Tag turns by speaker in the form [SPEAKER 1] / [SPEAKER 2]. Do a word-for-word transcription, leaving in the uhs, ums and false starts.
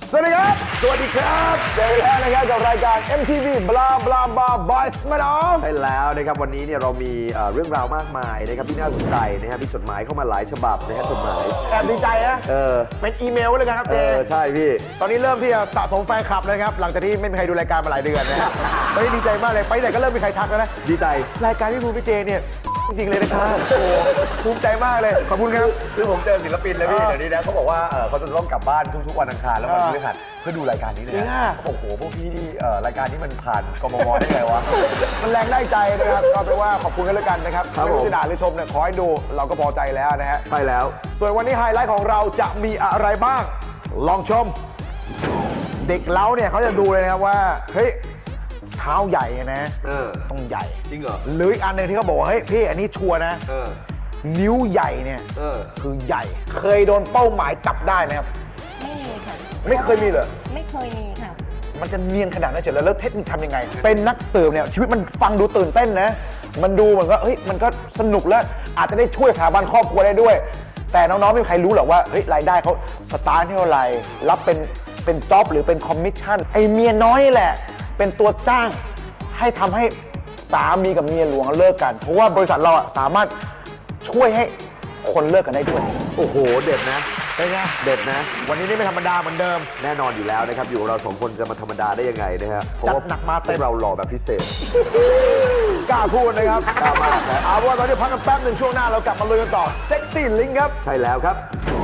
[SPEAKER 1] สวัสดีครับสวัสดีครับเจอแล้วนะครับกับรายการ เอ็ม ที วี บลาบลาบลาบอยส์มาดอฟ
[SPEAKER 2] ใช่แล้วนะครับวันนี้เนี่ยเรามีเรื่องราวมากมายนะครับที่น่าสนใจนะครับมีจดหมายเข้ามาหลายฉบับนะฮะจดหมาย
[SPEAKER 1] แอบดีใจนะ
[SPEAKER 2] เออ
[SPEAKER 1] เป็นอีเมลเลยครับ
[SPEAKER 2] เอ
[SPEAKER 1] เจ
[SPEAKER 2] อใช่พี่
[SPEAKER 1] ตอนนี้เริ่มที่จะสะสมแฟนคลับเลยครับหลังจากที่ไม่มีใครดูรายการมาหลายเดือนนะฮะตอนนี้ดีใจมากเลยไปไหนก็เริ่มมีใครทักแล้วนะ
[SPEAKER 2] ดีใจ
[SPEAKER 1] รายการพี่ภูมิพี่เจเนี่ยจริงๆเลยนะครับโอ้ภูมิใจมากเลยขอบคุณครับ
[SPEAKER 2] คือผมเจอศิลปินเลยพี่
[SPEAKER 1] เออ
[SPEAKER 2] เดี๋ยวนี้นะเขาบอกว่าเออเขาจะต้องกลับบ้านทุกๆวันอังคารแล้ววัน
[SPEAKER 1] เออ
[SPEAKER 2] พฤหัสเพื่อดูรายการนี้เลย
[SPEAKER 1] จริง
[SPEAKER 2] นะ
[SPEAKER 1] อะ
[SPEAKER 2] เขาบอกโอ้โหพวกพี่นี่เอ่อรายการนี้มันผ่านกมมได้ไงวะ
[SPEAKER 1] มันแรงได้ใจนะครับก็เป็นว่าขอบคุณกันแล้วกันนะครับ
[SPEAKER 2] ครับ
[SPEAKER 1] ไม่
[SPEAKER 2] ผม
[SPEAKER 1] ว่าจะด่าหรือชมเนี่ยขอให้ดูเราก็พอใจแล้วนะฮะ
[SPEAKER 2] ใช่แล้ว
[SPEAKER 1] ส่วนวันนี้ไฮไลท์ของเราจะมีอะไรบ้าง ลองชม เด็กเล้าเนี่ยเขาจะดูเลยนะครับว่าเฮ้ยเท้าใหญ่นะ
[SPEAKER 2] เออ
[SPEAKER 1] ต้องใหญ่
[SPEAKER 2] จริงเหรอ
[SPEAKER 1] หรืออีกอันหนึ่งที่เขาบอกว่าเฮ้ยพี่อันนี้ชัวร์นะ
[SPEAKER 2] เออ
[SPEAKER 1] นิ้วใหญ่เนี่ย
[SPEAKER 2] เออ
[SPEAKER 1] คือใหญ่ เคยโดนเป้าหมายจับได้ไหมครับ
[SPEAKER 3] ไม่มีค่ะ
[SPEAKER 1] ไม่เคยมีเหรอ
[SPEAKER 3] ไม่เคยมีค่ะ
[SPEAKER 1] มันจะเนียนขนาดนั้นเฉยแล้วแล้วเทคนิคทำยังไง เป็นนักสืบเนี่ยชีวิตมันฟังดูตื่นเต้นนะ มันดูเหมือนก็เฮ้ยมันก็สนุกแล้วอาจจะได้ช่วยสถาบันครอบครัวได้ด้วย แต่น้องๆไม่มีใครรู้หรอกว่าเฮ้ยรายได้เขาสตาร์ทเท่าไหร่รับเป็นเป็นจ็อบหรือเป็นคอมมิชชั่นไอเมียน้อยแหละ เป็นตัวจ้างให้ทำให้สามีกับเมียหลวงเลิกกัน เพราะว่าบริษัทเราอะสามารถช่วยให้คนเลิกกันได้ด้วย
[SPEAKER 2] โอ้โหเด็ดนะ
[SPEAKER 1] เป็นไง
[SPEAKER 2] เด็ดนะ
[SPEAKER 1] วันนี้นี่ไม่ธรรมดาเหมือนเดิม
[SPEAKER 2] แน่นอนอยู่แล้วนะครับอยู่กับเราสองคนจะมาธรรมดาได้ยังไงนะฮะเพราะ
[SPEAKER 1] จัด
[SPEAKER 2] ว่า
[SPEAKER 1] หนักมาเต็ม
[SPEAKER 2] พวกเราหล่อแบบพิเศษ
[SPEAKER 1] กล้าพูดนะครับ
[SPEAKER 2] กล้ามากนะ
[SPEAKER 1] เอาเป็นว่าตอนนี้พักกันแป๊บหนึ่งช่วงหน้าเรากลับมาลุยกันต่อเซ็กซี่ลิงครับ
[SPEAKER 2] ใช่แล้วครับ
[SPEAKER 1] เ